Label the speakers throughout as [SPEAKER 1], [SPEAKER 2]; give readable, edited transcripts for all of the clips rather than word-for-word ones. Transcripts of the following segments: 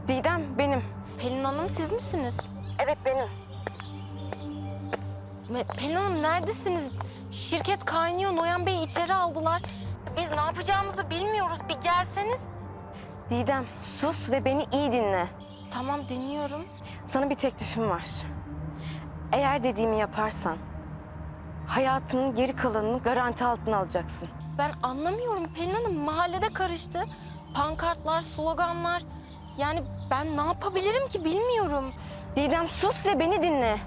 [SPEAKER 1] Didem benim.
[SPEAKER 2] Pelin Hanım siz misiniz?
[SPEAKER 1] Evet benim.
[SPEAKER 2] Pelin Hanım neredesiniz? Şirket kaynıyor. Noyan Bey'i içeri aldılar. Biz ne yapacağımızı bilmiyoruz. Bir gelseniz.
[SPEAKER 1] Didem sus ve beni iyi dinle.
[SPEAKER 2] Tamam dinliyorum.
[SPEAKER 1] Sana bir teklifim var. Eğer dediğimi yaparsan hayatının geri kalanını garanti altına alacaksın.
[SPEAKER 2] Ben anlamıyorum Pelin Hanım. Mahallede karıştı. Pankartlar, sloganlar. Yani ben ne yapabilirim ki bilmiyorum.
[SPEAKER 1] Didem sus ve beni dinle.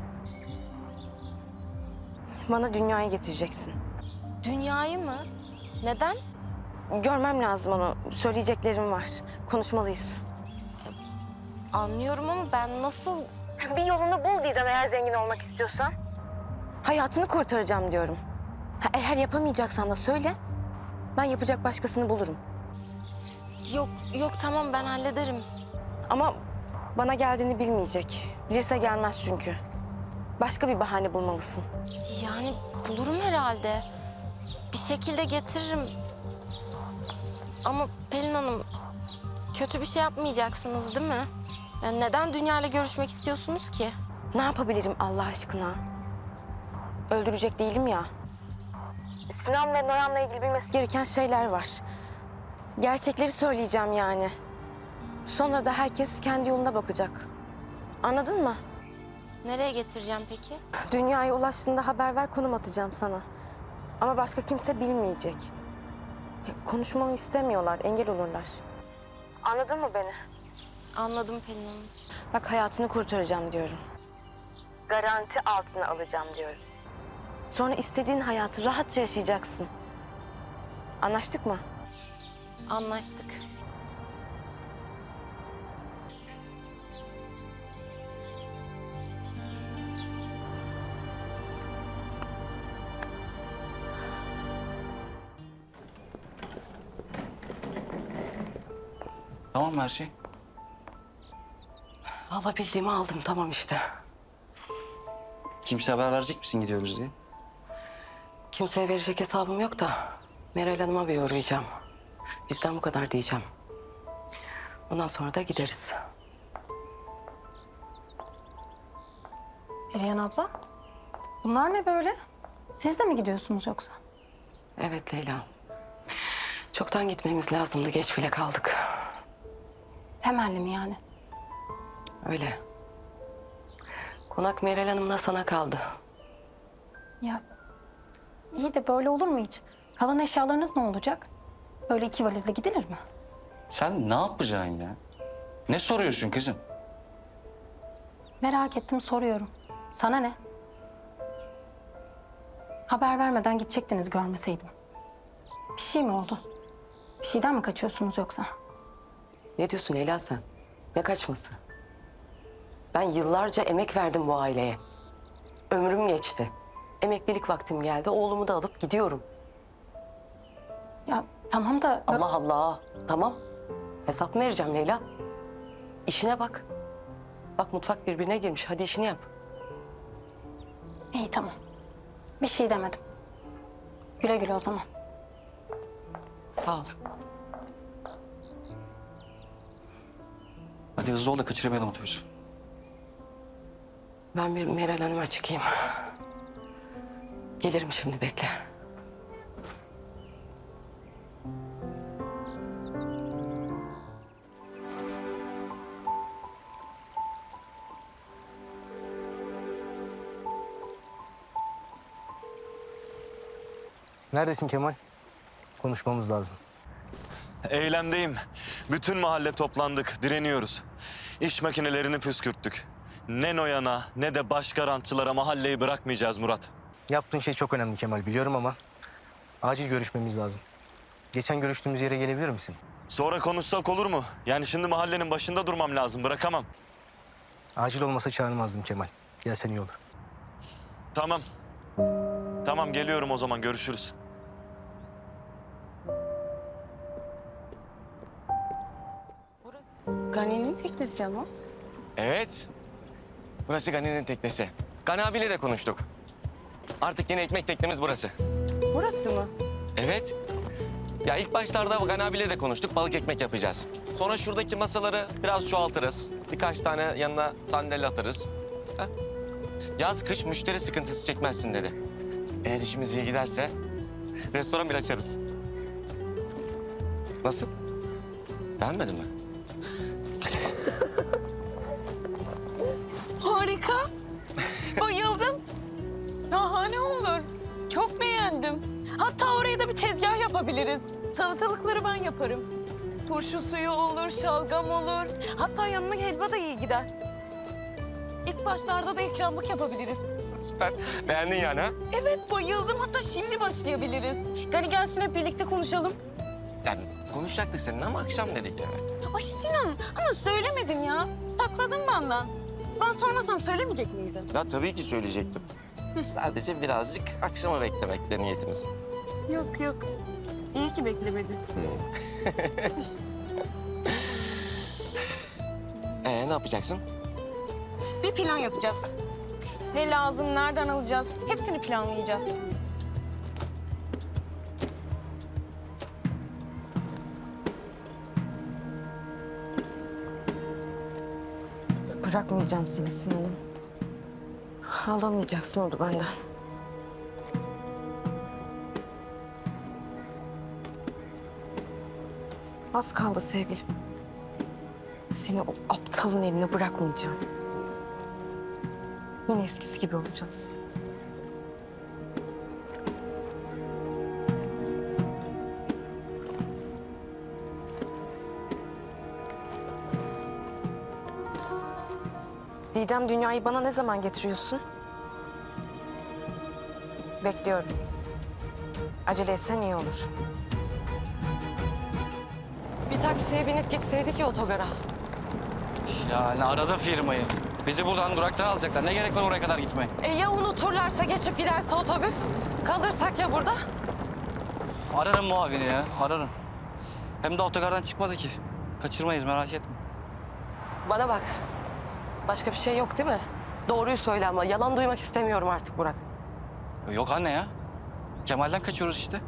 [SPEAKER 1] Bana dünyayı getireceksin.
[SPEAKER 2] Dünyayı mı? Neden?
[SPEAKER 1] Görmem lazım onu. Söyleyeceklerim var. Konuşmalıyız.
[SPEAKER 2] Anlıyorum ama ben nasıl...
[SPEAKER 1] Bir yolunu bul Didem eğer zengin olmak istiyorsan. Hayatını kurtaracağım diyorum. Eğer yapamayacaksan da söyle. Ben yapacak başkasını bulurum.
[SPEAKER 2] Yok tamam ben hallederim.
[SPEAKER 1] Ama bana geldiğini bilmeyecek. Bilirse gelmez çünkü. Başka bir bahane bulmalısın.
[SPEAKER 2] Yani bulurum herhalde. Bir şekilde getiririm. Ama Pelin Hanım kötü bir şey yapmayacaksınız değil mi? Yani neden Dünya'yla görüşmek istiyorsunuz ki?
[SPEAKER 1] Ne yapabilirim Allah aşkına? Öldürecek değilim ya. Sinan ve Noyan'la ilgili bilmesi gereken şeyler var. Gerçekleri söyleyeceğim yani. Sonra da herkes kendi yoluna bakacak. Anladın mı?
[SPEAKER 2] Nereye getireceğim peki?
[SPEAKER 1] Dünyaya ulaştığında haber ver, konum atacağım sana. Ama başka kimse bilmeyecek. Konuşmamı istemiyorlar, engel olurlar. Anladın mı beni?
[SPEAKER 2] Anladım Pelin Hanım.
[SPEAKER 1] Bak hayatını kurtaracağım diyorum. Garanti altına alacağım diyorum. Sonra istediğin hayatı rahatça yaşayacaksın. Anlaştık mı?
[SPEAKER 2] Anlaştık.
[SPEAKER 3] Tamam mı her şey?
[SPEAKER 4] Alabildiğimi aldım tamam işte.
[SPEAKER 3] Kimse haber verecek misin gidiyoruz diye?
[SPEAKER 4] Kimseye verecek hesabım yok da Meral Hanım'a bir uğrayacağım. Bizden bu kadar diyeceğim. Ondan sonra da gideriz.
[SPEAKER 5] Perihan abla, bunlar ne böyle? Siz de mi gidiyorsunuz yoksa?
[SPEAKER 4] Evet Leyla. Çoktan gitmemiz lazımdı. Geç bile kaldık.
[SPEAKER 5] Temelli mi yani?
[SPEAKER 4] Öyle. Konak Meral Hanım'la sana kaldı.
[SPEAKER 5] Ya iyi de böyle olur mu hiç? Kalan eşyalarınız ne olacak? Böyle 2 valizle gidilir mi?
[SPEAKER 3] Sen ne yapacaksın ya? Ne soruyorsun kızım?
[SPEAKER 5] Merak ettim soruyorum. Sana ne? Haber vermeden gidecektiniz görmeseydim. Bir şey mi oldu? Bir şeyden mi kaçıyorsunuz yoksa?
[SPEAKER 4] Ne diyorsun Leyla sen? Ne kaçması? Ben yıllarca emek verdim bu aileye. Ömrüm geçti. Emeklilik vaktim geldi. Oğlumu da alıp gidiyorum.
[SPEAKER 5] Ya tamam da...
[SPEAKER 4] Allah Allah. Tamam. Hesap mı vereceğim Leyla? İşine bak. Bak mutfak birbirine girmiş. Hadi işini yap.
[SPEAKER 5] İyi tamam. Bir şey demedim. Güle güle o zaman.
[SPEAKER 4] Sağ ol.
[SPEAKER 3] Hadi hızlı ol da kaçırmayalım otobüsü.
[SPEAKER 4] Ben bir Meral Hanım'a çıkayım. Gelirim şimdi bekle.
[SPEAKER 6] Neredesin Kemal? Konuşmamız lazım.
[SPEAKER 7] Eylemdeyim. Bütün mahalle toplandık, direniyoruz. İş makinelerini püskürttük. Ne Noyan'a ne de başka rantçılara mahalleyi bırakmayacağız Murat.
[SPEAKER 6] Yaptığın şey çok önemli Kemal biliyorum ama acil görüşmemiz lazım. Geçen görüştüğümüz yere gelebilir misin?
[SPEAKER 7] Sonra konuşsak olur mu? Yani şimdi mahallenin başında durmam lazım, bırakamam.
[SPEAKER 6] Acil olmasa çağırmazdım Kemal. Gelsen iyi olur.
[SPEAKER 7] Tamam. Tamam geliyorum o zaman, görüşürüz.
[SPEAKER 8] Gani'nin teknesi ama.
[SPEAKER 9] Evet. Burası Gani'nin teknesi. Gani abiyle de konuştuk. Artık yeni ekmek teknemiz burası.
[SPEAKER 8] Burası mı?
[SPEAKER 9] Evet. Ya ilk başlarda Gani abiyle de konuştuk. Balık ekmek yapacağız. Sonra şuradaki masaları biraz çoğaltırız. Birkaç tane yanına sandalye atarız. Ha? Yaz kış müşteri sıkıntısı çekmezsin dedi. Eğer işimiz iyi giderse restoran bile açarız. Nasıl? Beğenmedin mi?
[SPEAKER 8] Harika. Bayıldım. Şahane olur. Çok beğendim. Hatta oraya da bir tezgah yapabiliriz. Salatalıkları ben yaparım. Turşu suyu olur, şalgam olur. Hatta yanına helva da iyi gider. İlk başlarda da ikramlık yapabiliriz.
[SPEAKER 9] Süper. Beğendin yani ha?
[SPEAKER 8] Evet, bayıldım. Hatta şimdi başlayabiliriz. Gani gelsin hep birlikte konuşalım.
[SPEAKER 9] Yani konuşacaktık seninle ama akşam dedik yani.
[SPEAKER 8] Ay Sinan, ama söylemedin ya. Sakladın benden. Ben sormasam söylemeyecek miydin?
[SPEAKER 9] Ya tabii ki söyleyecektim. Sadece birazcık akşama beklemekle niyetimiz.
[SPEAKER 8] Yok yok. İyi ki beklemedin.
[SPEAKER 9] Ne yapacaksın?
[SPEAKER 8] Bir plan yapacağız. Ne lazım, nereden alacağız? Hepsini planlayacağız.
[SPEAKER 1] Bırakmayacağım seni Sinan'ım. Alamayacaksın onu benden. Az kaldı sevgilim. Seni o aptalın eline bırakmayacağım. Yine eskisi gibi olacağız. Didem, dünyayı bana ne zaman getiriyorsun? Bekliyorum. Acele etsen iyi olur.
[SPEAKER 2] Bir taksiye binip gitseydik ya otogara.
[SPEAKER 3] Yani aradı firmayı. Bizi buradan duraktan alacaklar. Ne gerek var oraya kadar gitmeye?
[SPEAKER 2] Ya unuturlarsa, geçip giderse otobüs? Kalırsak ya burada?
[SPEAKER 3] Ararım muavini ya, ararım. Hem de otogardan çıkmadı ki. Kaçırmayız, merak etme.
[SPEAKER 4] Bana bak. Başka bir şey yok değil mi? Doğruyu söyle ama yalan duymak istemiyorum artık Burak.
[SPEAKER 3] Yok anne ya. Kemal'den kaçıyoruz işte.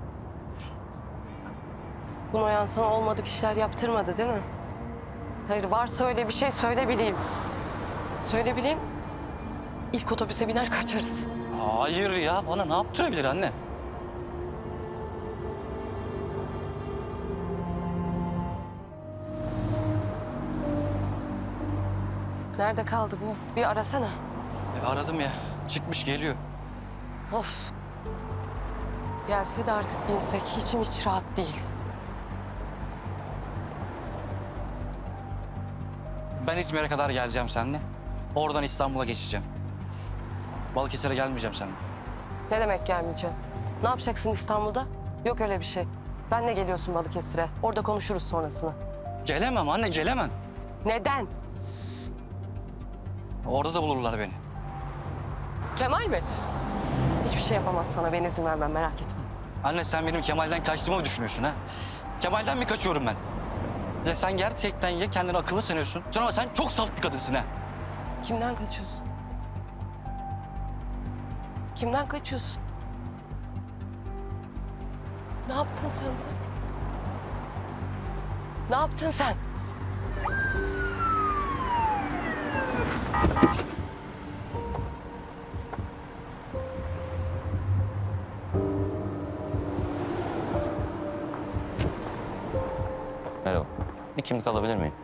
[SPEAKER 4] Bu Noyan sana olmadık işler yaptırmadı değil mi? Hayır, varsa öyle bir şey söyle bileyim. Söyle bileyim. İlk otobüse biner kaçarız.
[SPEAKER 3] Hayır ya, bana ne yaptırabilir anne?
[SPEAKER 4] Nerede kaldı bu? Bir arasana.
[SPEAKER 3] Aradım ya, çıkmış geliyor.
[SPEAKER 4] Of. Gelse de artık binsek içim hiç rahat değil.
[SPEAKER 3] Ben İzmir'e kadar geleceğim seninle. Oradan İstanbul'a geçeceğim. Balıkesir'e gelmeyeceğim seninle.
[SPEAKER 4] Ne demek gelmeyeceğim? Ne yapacaksın İstanbul'da? Yok öyle bir şey. Benle geliyorsun Balıkesir'e. Orada konuşuruz sonrasını.
[SPEAKER 3] Gelemem anne, gelemem.
[SPEAKER 4] Neden?
[SPEAKER 3] Orada da bulurlar beni.
[SPEAKER 4] Kemal mi? Hiçbir şey yapamaz sana. Ben izin vermem, merak etme.
[SPEAKER 3] Anne sen benim Kemal'den kaçtığımı mı düşünüyorsun ha? Kemal'den mi kaçıyorum ben? Ya sen gerçekten ya kendini akıllı sanıyorsun. Ama sen çok saf bir kadınsın ha.
[SPEAKER 4] Kimden kaçıyorsun? Kimden kaçıyorsun? Ne yaptın sen? Ne yaptın sen?
[SPEAKER 10] Merhaba. Bir kimlik alabilir miyim?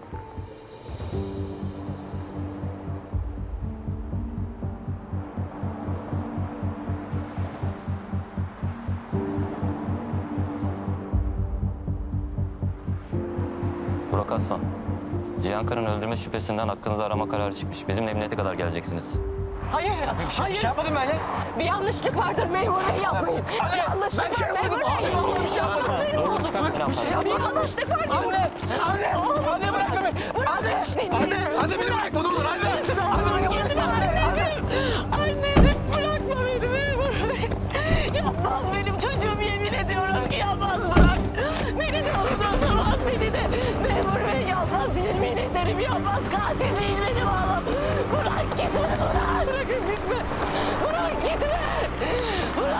[SPEAKER 10] Burak Aslan. Cihan Kara'nın öldürme şüphesinden hakkınızda arama kararı çıkmış. Bizimle emniyete kadar geleceksiniz.
[SPEAKER 4] Hayır, hayır. Bir şey yapmadım ben ya. Bir yanlışlık vardır memur bey, yapmayın. Bir yanlışlık var memur bey. Bir şey yapmadım.
[SPEAKER 10] Bir şey
[SPEAKER 4] Bir yanlışlık var.
[SPEAKER 6] Anne bırak beni. Anne beni bırak. Bu olur anne.
[SPEAKER 8] Anneciğim bırakma beni memur bey. Yapmaz benim çocuğum, yemin ediyorum ki yapmaz, bırak. Beni de olmaz beni de. Memur bey yapmaz, yemin ederim yapmaz. Katil değil benim oğlum. Bırak gitme, bırak. Bırakın gitme. Bırak gitme.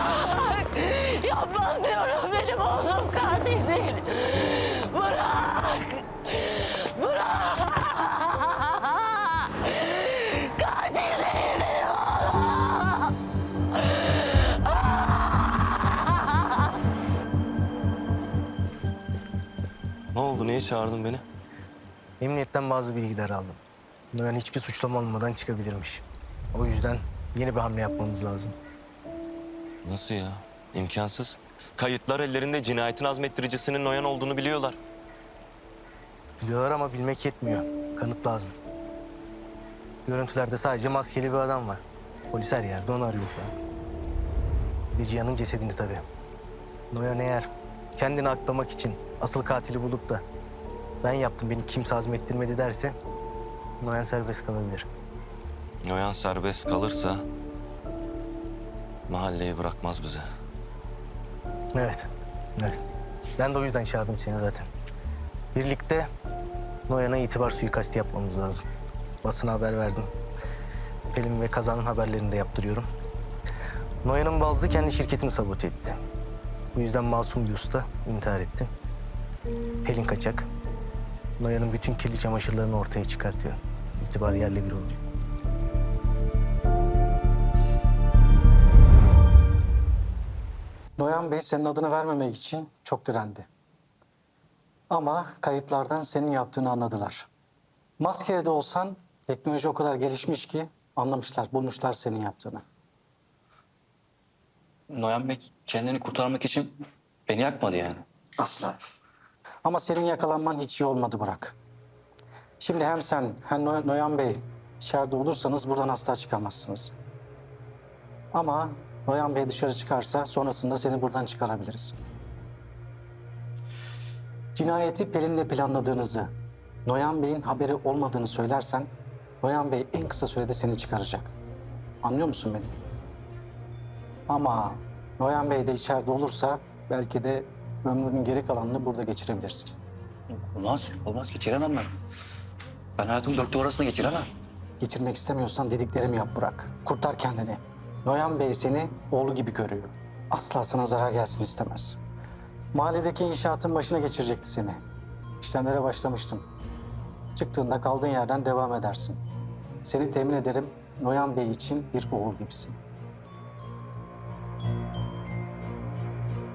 [SPEAKER 8] Bırak. Yapmaz diyorum, benim oğlum katil değil. Bırak.
[SPEAKER 7] Ne oldu? Niye çağırdın beni?
[SPEAKER 6] Emniyetten bazı bilgiler aldım. Noyan hiçbir suçlama olmadan çıkabilirmiş. O yüzden yeni bir hamle yapmamız lazım.
[SPEAKER 7] Nasıl ya? İmkansız. Kayıtlar ellerinde, cinayetin azmettiricisinin Noyan olduğunu biliyorlar.
[SPEAKER 6] Biliyorlar ama bilmek yetmiyor. Kanıt lazım. Görüntülerde sadece maskeli bir adam var. Polis her yerde onu arıyor şu an. Bir de Cihan'ın cesedini tabii. Noyan eğer kendini aklamak için asıl katili bulup da ben yaptım, beni kimse azmettirmedi derse Noyan serbest kalabilir.
[SPEAKER 7] Noyan serbest kalırsa mahalleyi bırakmaz bize.
[SPEAKER 6] Evet, evet. Ben de o yüzden çağırdım seni zaten. Birlikte Noyan'a itibar suikasti yapmamız lazım. Basına haber verdim. Pelin ve Kazan'ın haberlerini de yaptırıyorum. Noyan'ın baldızı kendi şirketini sabote etti. Bu yüzden masum bir usta intihar etti. Pelin kaçak. Noyan'ın bütün kirli çamaşırlarını ortaya çıkartıyor. İtibar yerle bir oluyor.
[SPEAKER 11] Noyan Bey senin adını vermemek için çok direndi. Ama kayıtlardan senin yaptığını anladılar. Maskeli de olsan teknoloji o kadar gelişmiş ki anlamışlar, bulmuşlar senin yaptığını.
[SPEAKER 3] Noyan Bey kendini kurtarmak için beni yakmadı yani.
[SPEAKER 11] Asla. Ama senin yakalanman hiç iyi olmadı Burak. Şimdi hem sen hem Noyan Bey içeride olursanız buradan asla çıkamazsınız. Ama Noyan Bey dışarı çıkarsa sonrasında seni buradan çıkarabiliriz. Cinayeti Pelin'le planladığınızı, Noyan Bey'in haberi olmadığını söylersen Noyan Bey en kısa sürede seni çıkaracak. Anlıyor musun beni? Ama Noyan Bey de içeride olursa belki de ömrünün geri kalanını burada geçirebilirsin.
[SPEAKER 3] Olmaz geçiremem ben. Ben hayatımı dört duvar arasında geçiremem.
[SPEAKER 11] Geçirmek istemiyorsan dediklerimi yap Burak. Kurtar kendini. Noyan Bey seni oğlu gibi görüyor. Asla sana zarar gelsin istemez. Mahalledeki inşaatın başına geçirecekti seni. İşlemlere başlamıştım. Çıktığında kaldığın yerden devam edersin. Seni temin ederim, Noyan Bey için bir oğul gibisin.